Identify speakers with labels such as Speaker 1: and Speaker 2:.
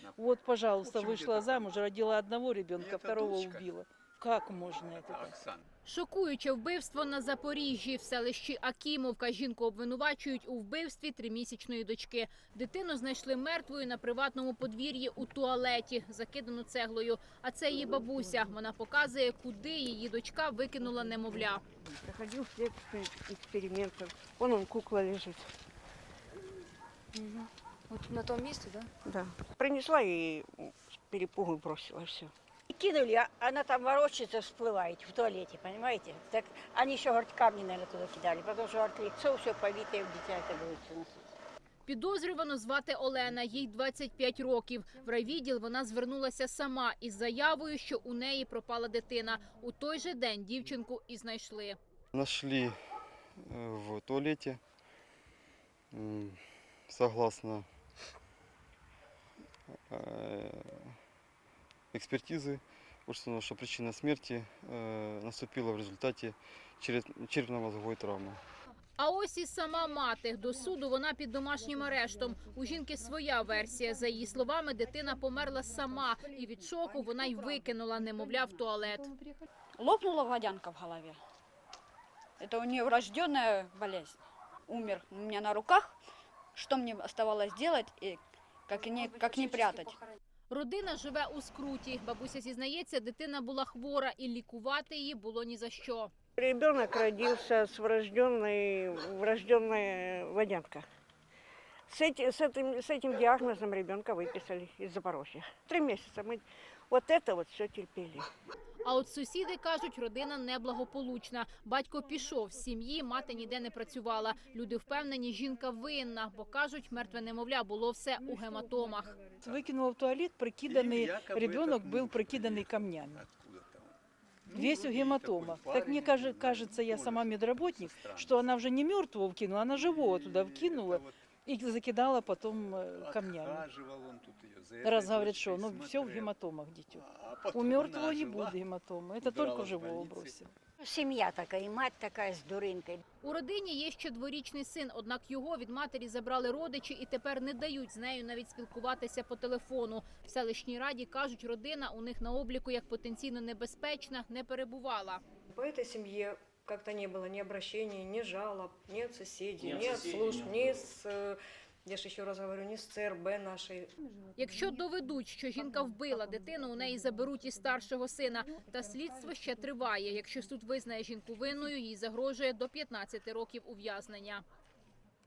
Speaker 1: Вот, пожалуйста, вышла замуж, родила одного ребенка, второго убила. Как можно это?
Speaker 2: Шокуюче вбивство на Запоріжжі. В селищі Акімовка жінку обвинувачують у вбивстві 3-місячної дочки. Дитину знайшли мертвою на приватному подвір'ї у туалеті, закидану цеглою. А це її бабуся. Вона показує, куди її дочка викинула немовля.
Speaker 3: Проходил все эксперименты. Вон он, кукла лежит.
Speaker 4: Вот на том месте, да?
Speaker 3: Да. Принесла и с перепугу бросила все.
Speaker 5: Кинули, а она там ворочается, всплывает в туалете, понимаете? Так они еще, говорит, камни, наверное, туда кидали, потому что, говорит, лицо все побитое, в дитя это будет все носить.
Speaker 2: Підозрювану звати Олена, їй 25 років. В райвідділ вона звернулася сама із заявою, що у неї пропала дитина. У той же день дівчинку і знайшли.
Speaker 6: Нашли в туалете, согласно экспертизы, установлено, что причина смерти наступила в результате черепно-мозговой травмы.
Speaker 2: А ось і сама мати. До суду вона під домашнім арештом. У жінки своя версія. За її словами, дитина померла сама. І від шоку вона й викинула немовля в туалет.
Speaker 4: Лопнула водянка в голове. Это у нее врожденная болезнь. Умер у меня на руках. Что мне оставалось делать и как не прятать?
Speaker 2: Родина живе у скруті. Бабуся зізнається, дитина була хвора і лікувати її було ні за що.
Speaker 3: Ребенок родился с врожденная водянка. С этим диагнозом ребенка выписали из Запорожья. 3 месяца мы вот это вот все терпели.
Speaker 2: А от сусіди кажуть, родина неблагополучна. Батько пішов з сім'ї, мати ніде не працювала. Люди впевнені, жінка винна, бо кажуть, мертве немовля було все у гематомах.
Speaker 1: Выкинула в туалет, прикиданный, ребенок был прикиданный камнями. Весь в гематомах. Так мне кажется, я сама медработник, что она уже не мертвого вкинула, она живого туда вкинула и закидала потом камнями. Раз говорят, что ну все в гематомах дитё. У мертвого не будет гематомы, это только живого бросил.
Speaker 5: Семья такая, и мать такая с дурынкой.
Speaker 2: У родині є ще 2-річний син, однак його від матері забрали родичі і тепер не дають з нею навіть спілкуватися по телефону. В селищній раді кажуть, родина у них на обліку як потенційно небезпечна не перебувала.
Speaker 7: По этой семье как-то не было ни обращений, ни жалоб, ни от соседей, ни от служб, ни с, я же еще раз говорю, ни с ЦРБ нашей.
Speaker 2: Якщо доведуть, що жінка вбила дитину, у неї заберуть і старшого сина. Та слідство ще триває. Якщо суд визнає жінку винною, їй загрожує до 15 років ув'язнення.